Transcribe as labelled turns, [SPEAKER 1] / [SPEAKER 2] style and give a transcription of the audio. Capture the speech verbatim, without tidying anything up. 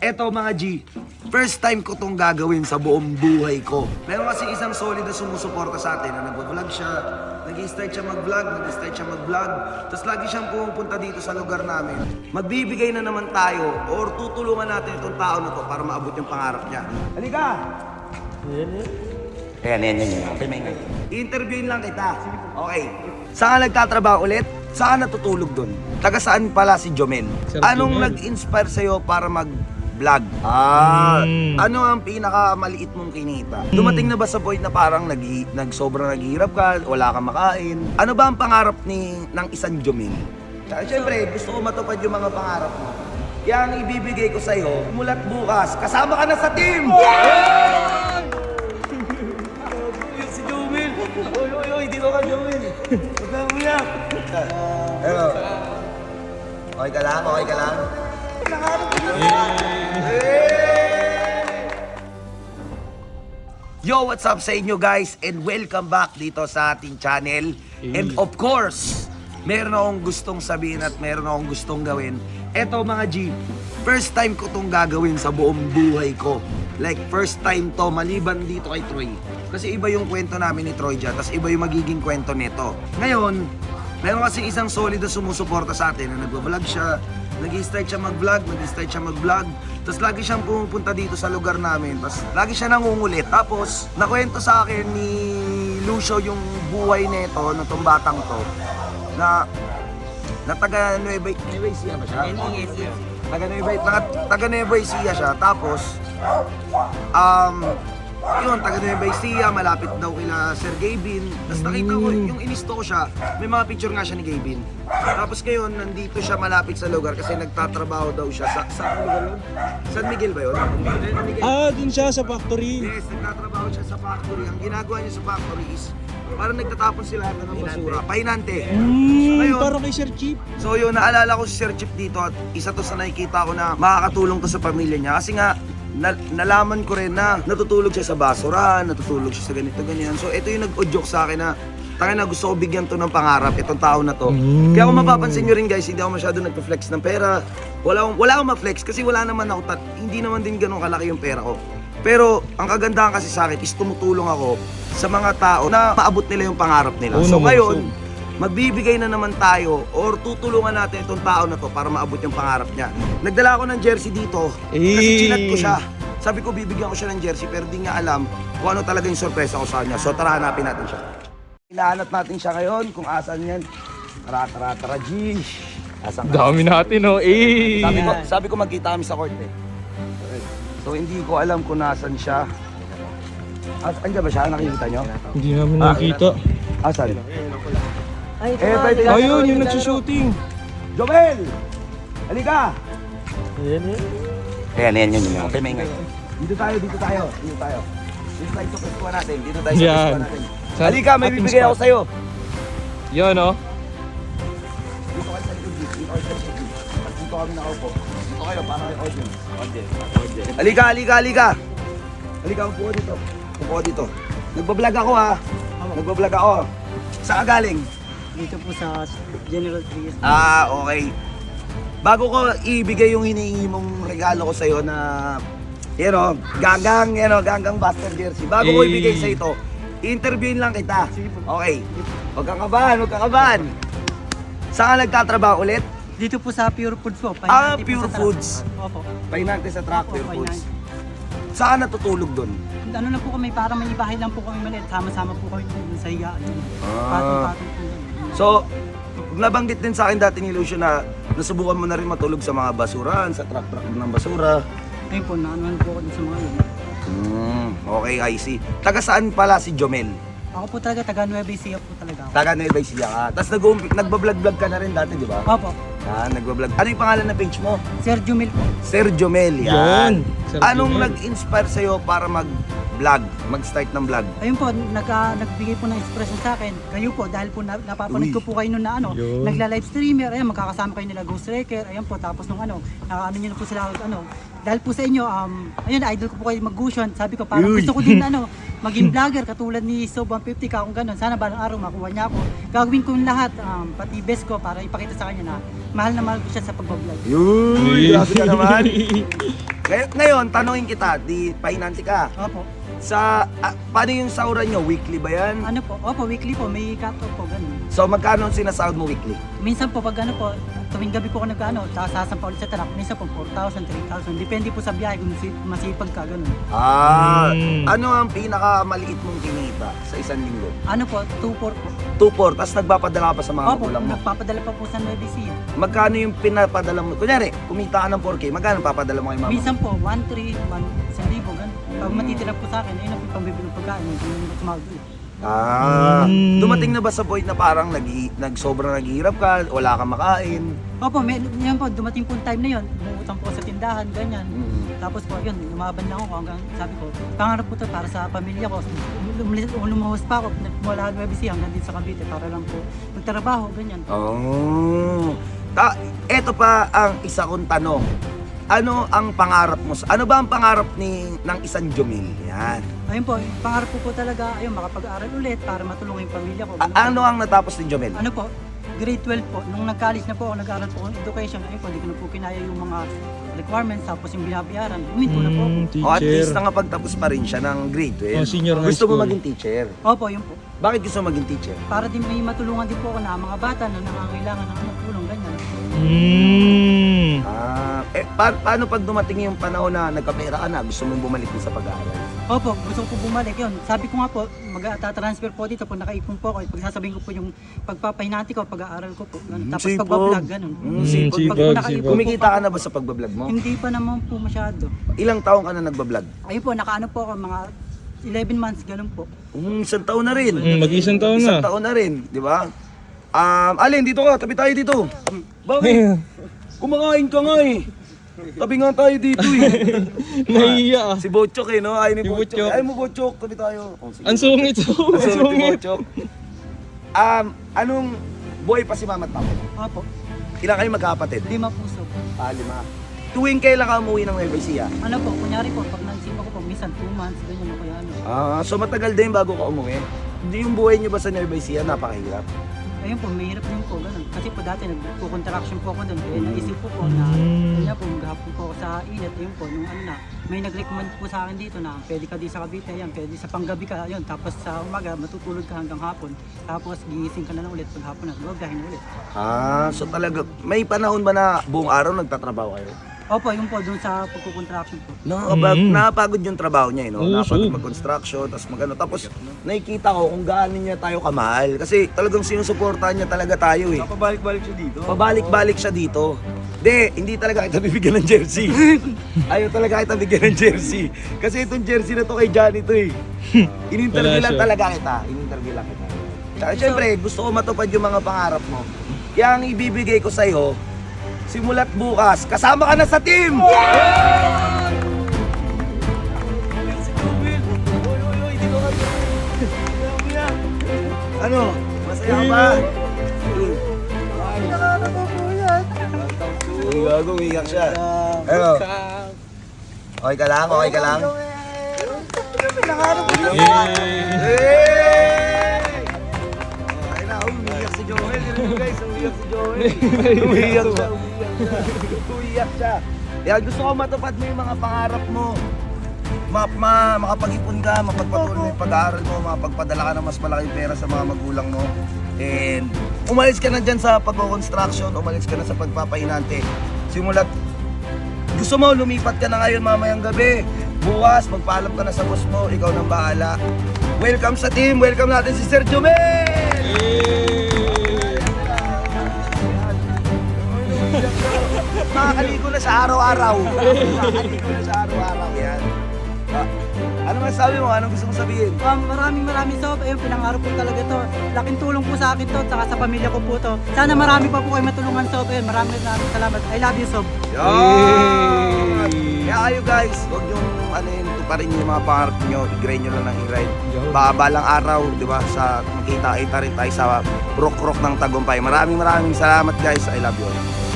[SPEAKER 1] Eto mga G, first time ko tong gagawin sa buong buhay ko. Meron kasi isang solid na sumusuporta sa atin na nag-vlog siya, nag-i-start siya mag-vlog, nag-i-start siya mag-vlog, tapos lagi siyang pumupunta dito sa lugar namin. Magbibigay na naman tayo or tutulungan natin itong tao na to para maabot yung pangarap niya. Halika! Ayan, ayan, ayan. Okay, may ngay. I-interviewin lang kita. Okay. Saan ka nagtatrabaho ulit? Saan natutulog doon? Taga saan pala si Jomel?
[SPEAKER 2] Sir
[SPEAKER 1] Anong
[SPEAKER 2] Jomel.
[SPEAKER 1] nag-inspire sa'yo para mag-vlog? Ah,
[SPEAKER 2] Mm.
[SPEAKER 1] ano ang pinakamaliit mong kinita? Dumating na ba sa point na parang nag, nag sobrang naghihirap ka, wala kang makain? Ano ba ang pangarap ni ng isang Jomel? Tsaka syempre, gusto ko matupad yung mga pangarap mo. Kaya ang ibibigay ko sa'yo, mulat bukas, kasama ka na sa team! Si Jomel! Oy, oy, oy, dito ka, Jomel! Huwag kang umiyak! Hello. Okay ka lang? Okay ka lang? Yo, what's up sa inyo guys? And welcome back dito sa ating channel. And of course, meron akong gustong sabihin at meron akong gustong gawin. Eto mga G, first time ko tong gagawin sa buong buhay ko. Like first time to, maliban dito kay Troy. Kasi iba yung kwento namin ni Troy dyan, tapos iba yung magiging kwento nito. Ngayon, meron kasi isang solid na sumusuporta sa atin na nagbablog siya, nag-i-start siya mag-vlog, nag-i-start siya mag-vlog, tapos lagi siyang pumupunta dito sa lugar namin, tapos lagi siya nangungulit. Tapos, nakwento sa akin ni Lucio yung buhay nito, na tong batang to, na, na taga Nueva, Nueva Ecija ba siya? Taga Nueva, taga, taga Nueva Ecija siya, tapos, um, yun, taga Nueva Ecija, malapit daw kila Sir Gavin. Tapos nakita ko, yung inisto ko siya, may mga picture nga siya ni Gavin. Tapos ngayon, nandito siya malapit sa lugar kasi nagtatrabaho daw siya sa, sa ano lugar yun? San Miguel ba yun? San Miguel.
[SPEAKER 2] Ah, dun siya sa factory.
[SPEAKER 1] Yes, nagtatrabaho siya sa factory. Ang ginagawa niya sa factory is, parang nagtatapon sila ng basura. Pahinante.
[SPEAKER 2] Hmm,
[SPEAKER 1] Ngayon,
[SPEAKER 2] parang kay Sir Chief.
[SPEAKER 1] So yun, naalala ko si Sir Chip dito at isa to sa nakikita ko na makakatulong to sa pamilya niya. Kasi nga, na, nalaman ko rin na natutulog siya sa basura, natutulog siya sa ganito, ganyan. So ito yung nag-joke sa akin na tangin na gusto ko bigyan to ng pangarap, itong tao na to.
[SPEAKER 2] Mm.
[SPEAKER 1] Kaya kung mapapansin nyo rin guys, hindi ako masyado nagpa-flex ng pera. Wala akong, wala akong ma-flex kasi wala naman ako, tat, hindi naman din ganun kalaki yung pera ko. Pero ang kagandahan kasi sa akin is tumutulong ako sa mga tao na maabot nila yung pangarap nila.
[SPEAKER 2] Oo
[SPEAKER 1] So
[SPEAKER 2] naman,
[SPEAKER 1] ngayon,
[SPEAKER 2] so.
[SPEAKER 1] magbibigay na naman tayo or tutulungan natin itong tao na to para maabot yung pangarap niya. Nagdala ako ng jersey dito kasi
[SPEAKER 2] Eh.
[SPEAKER 1] chinat ko siya. Sabi ko bibigyan ko siya ng jersey pero di niya alam kung ano talaga yung sorpresa ko sa kanya. So tara, hanapin natin siya. Hinahanap natin siya ngayon kung asan yan. Tara, tara, tara, G. Asan ka?
[SPEAKER 2] Dami natin, oh. Eh.
[SPEAKER 1] Sabi ko, sabi ko magkita kami sa court eh. So hindi ko alam kung nasan siya. As, andyan ba siya? Nakikita nyo?
[SPEAKER 2] Hindi namin
[SPEAKER 1] Ah,
[SPEAKER 2] nakita.
[SPEAKER 1] Asan?
[SPEAKER 3] Ay, ito
[SPEAKER 1] Eh,
[SPEAKER 3] nga.
[SPEAKER 1] pwede-
[SPEAKER 2] Ayun, yung nagsushooting.
[SPEAKER 1] Joel! Halika!
[SPEAKER 3] Ayan, ayan.
[SPEAKER 1] Ayan, ayan, yun, yun. Okay, may ingay. Dito tayo, dito tayo, dito tayo. Dito tayo sa pwestuhan natin, dito tayo sa
[SPEAKER 2] Yan.
[SPEAKER 1] pwestuhan natin.
[SPEAKER 2] Sa
[SPEAKER 1] Halika, may
[SPEAKER 2] ating
[SPEAKER 1] bibigay
[SPEAKER 2] spot.
[SPEAKER 1] ako sa'yo.
[SPEAKER 2] Yan, oh.
[SPEAKER 1] Dito kayo sa likod, dito kayo sa likod. At dito kami nakaupo. Dito kayo, para may audience. Audience, audience. Halika, halika, halika! Halika, upo ka dito. Upo ka dito. Nagbablog ako ha. Nagbablog ako. Saan ka galing?
[SPEAKER 3] Dito po sa General Trias.
[SPEAKER 1] Ah, okay. Bago ko ibigay yung hinihingi mong regalo ko sa'yo na, you know, ganggang, you know, ganggang Buster jersey. Bago ko
[SPEAKER 2] Eh.
[SPEAKER 1] ibigay sa ito, interviewin lang kita. Okay. Huwag kang kabahan, huwag kang kabahan. Saan ka nagtatrabaho ulit?
[SPEAKER 3] Dito po sa Pure Foods po.
[SPEAKER 1] Ah,
[SPEAKER 3] Pahinante po
[SPEAKER 1] Pure
[SPEAKER 3] sa truck.
[SPEAKER 1] Foods.
[SPEAKER 3] Opo.
[SPEAKER 1] Pahinante sa truck,
[SPEAKER 3] Opo,
[SPEAKER 1] Pure Foods.
[SPEAKER 3] pahinante.
[SPEAKER 1] Saan ka natutulog doon?
[SPEAKER 3] Ano lang po kami, para may bahay lang po kami maliit. Sama-sama po kami dun sa higaan.
[SPEAKER 1] Ah.
[SPEAKER 3] Patong-patong po. yun.
[SPEAKER 1] So, nabanggit din sa akin dati ni Lucio na nasubukan mo na rin matulog sa mga basurahan, sa truck-truck ng basura.
[SPEAKER 3] Ayun po, naano po ako dun sa mga yun.
[SPEAKER 1] Hmm, okay, I see. Taga saan pala si Jomel?
[SPEAKER 3] Ako po talaga, taga Nueva Ecija po talaga ako.
[SPEAKER 1] Taga Nueva Ecija ka. Tapos nag- nagbablog-vlog ka na rin dati, di ba?
[SPEAKER 3] Opo.
[SPEAKER 1] Ah, nagbablog. Ano yung pangalan ng page mo?
[SPEAKER 3] Sir Jumil po.
[SPEAKER 1] Sir Jomel,
[SPEAKER 2] Yan.
[SPEAKER 1] yan.
[SPEAKER 2] Sir
[SPEAKER 1] Anong
[SPEAKER 2] Jomel.
[SPEAKER 1] nag-inspire sa'yo para mag-vlog, mag-start ng vlog?
[SPEAKER 3] Ayun po, nagka, nagbigay po ng inspiration sa akin. Kayo po, dahil po na, napapanood
[SPEAKER 1] Uy.
[SPEAKER 3] ko po kayo noon na ano,
[SPEAKER 2] Yun.
[SPEAKER 3] nagla-live streamer, ayun, magkakasama kayo nila Ghost Wrecker, ayun po, tapos nung ano, nakaano nyo na po sila, ano, dahil po sa inyo, um, ayun, idol ko po kayo mag-gusion, sabi ko, parang
[SPEAKER 1] Uy.
[SPEAKER 3] gusto ko din, ano, maging vlogger katulad ni Sob one fifty ka kung ganun. Sana balang araw makuha niya ako. Gagawin ko yung lahat, um, pati best ko para ipakita sa kanya na mahal na mahal ko siya sa pagbablog.
[SPEAKER 1] Yun! Grabe ka naman! Ngay- Ngayon, tanongin kita, di pahinanti ka.
[SPEAKER 3] Opo.
[SPEAKER 1] Sa, ah, paano yung sahuran nyo? Weekly ba yan?
[SPEAKER 3] Ano po? Opo, weekly po. May cut-off po, ganun.
[SPEAKER 1] So, magkano ang sinasahod mo weekly?
[SPEAKER 3] Minsan po pag ano po, tuwing gabi po ako nag-ano, tapos sasampa ulit sa truck, minsan po four thousand, three thousand. Depende po sa biyahe kung si- masipag ka, ganun.
[SPEAKER 1] Ah,
[SPEAKER 2] Mm.
[SPEAKER 1] ano ang pinakamaliit mong kinita sa isang linggo?
[SPEAKER 3] Ano po, two four po.
[SPEAKER 1] two four, tapos nagpapadala ka pa sa mga
[SPEAKER 3] Opo,
[SPEAKER 1] magulang mo.
[SPEAKER 3] nagpapadala pa po sa Nueva Ecija.
[SPEAKER 1] Magkano yung pinapadala mo? Kunyari, kumita ka ng four K, magkano papadala mo kay mama?
[SPEAKER 3] Minsan po, one three, one isang libo, ganun. Pag matitira po sa akin, ayun ang pambibili ng pagkain, hindi mo tumawag ulit.
[SPEAKER 1] Ah,
[SPEAKER 2] Mm.
[SPEAKER 1] dumating na ba sa point na parang nag, nag sobrang naghihirap ka, wala kang makain?
[SPEAKER 3] Opo, may, yan po, dumating po yung time na yun, umuutang po sa tindahan, ganyan.
[SPEAKER 1] Mm.
[SPEAKER 3] Tapos po, yun, lumaban lang ako hanggang sabi ko, pangarap po to para sa pamilya ko. Lum- Lumuwas pa ako, mula Nueva Ecija hanggang din sa Cavite para lang po magtrabaho, ganyan.
[SPEAKER 1] Oh. Ta eto pa ang isa kong tanong. Ano ang pangarap mo? sa- Ano ba ang pangarap ni ng isang Jomel? Yan.
[SPEAKER 3] Ayun po, yung pangarap ko po talaga, ayun, makapag-aral ulit para matulungan yung pamilya ko.
[SPEAKER 1] A- ano ang natapos ni Jomel?
[SPEAKER 3] Ano po, grade twelve po, nung nag-college na po ako, nag-aaral po ako ng education, ayun po, hindi ko na po kinaya yung mga requirements, tapos yung binabayaran, huminto na po ako.
[SPEAKER 2] Mm,
[SPEAKER 1] O at least
[SPEAKER 2] teacher.
[SPEAKER 1] nakapagtapos pa rin siya ng grade twelve.
[SPEAKER 2] Oh, senior high
[SPEAKER 1] Gusto mo
[SPEAKER 2] school.
[SPEAKER 1] maging teacher?
[SPEAKER 3] Opo, yun po.
[SPEAKER 1] Bakit gusto mo maging teacher?
[SPEAKER 3] Para din may matulungan din po ako na mga bata na nangangailangan ng ano, tulong, ganyan.
[SPEAKER 2] Mm.
[SPEAKER 1] Ah, eh, pa- paano pag dumating yung panahon na nagkapera ka na, gusto mong bumalik din sa pag-aaral?
[SPEAKER 3] Opo, gusto ko po bumalik yun. Sabi ko nga po, mag-transfer po dito pag nakaipon po ako. Pagsasabihin ko po yung pagpapahinati ko, pag-aaral ko po. Ganun.
[SPEAKER 1] Mm,
[SPEAKER 3] Tapos
[SPEAKER 1] sipag.
[SPEAKER 3] pagbablog, ganun.
[SPEAKER 1] Mm,
[SPEAKER 2] Mm,
[SPEAKER 1] sipag.
[SPEAKER 2] sipag,
[SPEAKER 3] Pag po nakaipon
[SPEAKER 2] sipag.
[SPEAKER 3] po
[SPEAKER 1] Kumikita
[SPEAKER 3] pa-
[SPEAKER 1] ka na ba sa pagbablog mo?
[SPEAKER 3] Hindi pa naman po masyado.
[SPEAKER 1] Ilang taong ka na nagbablog?
[SPEAKER 3] Ayun po, nakaano po ako, mga eleven months, ganun po.
[SPEAKER 1] Um, isang taon na rin.
[SPEAKER 2] Mm, mag-isang taon
[SPEAKER 1] Isang
[SPEAKER 2] na.
[SPEAKER 1] taon na rin, di ba? Um, Alin, dito ka, tabi tayo dito. Bakit? Kumakain ka nga eh. Tabi nga tayo dito eh.
[SPEAKER 2] Nahiya ah.
[SPEAKER 1] Si Bochok eh, no? Ayaw ni
[SPEAKER 2] Si
[SPEAKER 1] Bochok.
[SPEAKER 2] Bochok.
[SPEAKER 1] Ayaw mo Bochok, tabi tayo. Oh, sige.
[SPEAKER 2] Ang sungit so.
[SPEAKER 1] Ang
[SPEAKER 2] Ang
[SPEAKER 1] sungit ni
[SPEAKER 2] sungit.
[SPEAKER 1] Bochok. Um, anong boy pa si Mama at Papa?
[SPEAKER 3] Opo,
[SPEAKER 1] Ilan kayo magkakapatid?
[SPEAKER 3] lima puso.
[SPEAKER 1] Ah, lima. Tuwing kailan ka umuwi ng Nueva Ecija?
[SPEAKER 3] Ano po, kunyari po, pag naisipan ko po, minsan two months, ganyan o kaya ano.
[SPEAKER 1] Ah, so matagal din bago ka umuwi. Hindi yung buhay niyo ba sa Nueva Ecija napakahirap?
[SPEAKER 3] Ayun po, mahirap din po, ganun. Kasi po dati nagpo-contraction po ako doon, kaya naisip ko po na,
[SPEAKER 2] Mm.
[SPEAKER 3] kanya po, maghapon po ako sa init, ayun po, nung ano na, may nag-recommend po sa akin dito na pwede ka di sa Cavite, yan, pwede sa panggabi ka, ayun, tapos sa umaga, matutulog ka hanggang hapon, tapos gigising ka na lang ulit pag hapon na, gagahin ulit.
[SPEAKER 1] Ah, so talaga, may panahon ba na buong araw nagtatrabaho kayo?
[SPEAKER 3] Opo, yun po, doon sa pagko-contraction po.
[SPEAKER 1] Nakakabag,
[SPEAKER 2] Mm.
[SPEAKER 1] nakapagod yung trabaho niya, eh, no?
[SPEAKER 2] Oo,
[SPEAKER 1] Nakapagod
[SPEAKER 2] sure.
[SPEAKER 1] mag-construction, tapos magano. Tapos nakikita ko kung gaano niya tayo kamahal. Kasi talagang sinusuportahan niya talaga tayo eh.
[SPEAKER 4] Pabalik-balik siya dito.
[SPEAKER 1] Pabalik-balik siya dito. Hindi, hindi talaga kita bibigyan ng jersey. Ayaw talaga kita bigyan ng jersey. Kasi itong jersey na to kay Johnny to eh. In-interview
[SPEAKER 2] Wala
[SPEAKER 1] lang
[SPEAKER 2] siya.
[SPEAKER 1] talaga kita. In-interview lang kita. Tsaka syempre, gusto ko matupad yung mga pangarap mo. Kaya ang ibibigay ko sa'yo, simulat bukas, kasama ka na sa team! Ano? Masaya ka ba? Uy, gago, umiyak siya. Ano? Okay ka lang? Okay ka lang? Hey! Ay na, umiyak si Joel. Yun yun, guys, umiyak si Joel. Umiyak siya, umiyak siya. Umiyak siya. Kaya gusto ko matupad mo yung mga pangarap mo. Ma, ma makapag-ipon ka, mapagpatuloy yung pag-aaral mo, makapagpadala ka ng mas malaking pera sa mga magulang mo. And umalis ka na dyan sa pag-construction, umalis ka na sa pagpapahinante. Simulat, gusto mo lumipat ka na ngayon mamayang gabi. Bukas, magpaalam ka na sa boss mo, ikaw nang bahala. Welcome sa team, welcome natin si Sir Jomel! Makakaligo na sa araw-araw. Makakaligo na sa araw-araw, yan. Ah, ano masasabi mo? Anong gusto mong sabihin?
[SPEAKER 3] Um, maraming maraming sob, ayun, pinangarap po talaga to. Laking tulong po sa akin to, saka sa pamilya ko po to. Sana marami pa po kayo matulungan sob, ayun, maraming maraming salamat. I love you sob.
[SPEAKER 1] Yan! Kaya kayo guys, huwag yung ano yun, tuparin yung mga pangarap nyo, i-grind nyo lang ng i-grind. Baka balang araw, di ba, sa makita-kita rin tayo sa rock-rock ng tagumpay. Maraming maraming salamat guys, I love you all.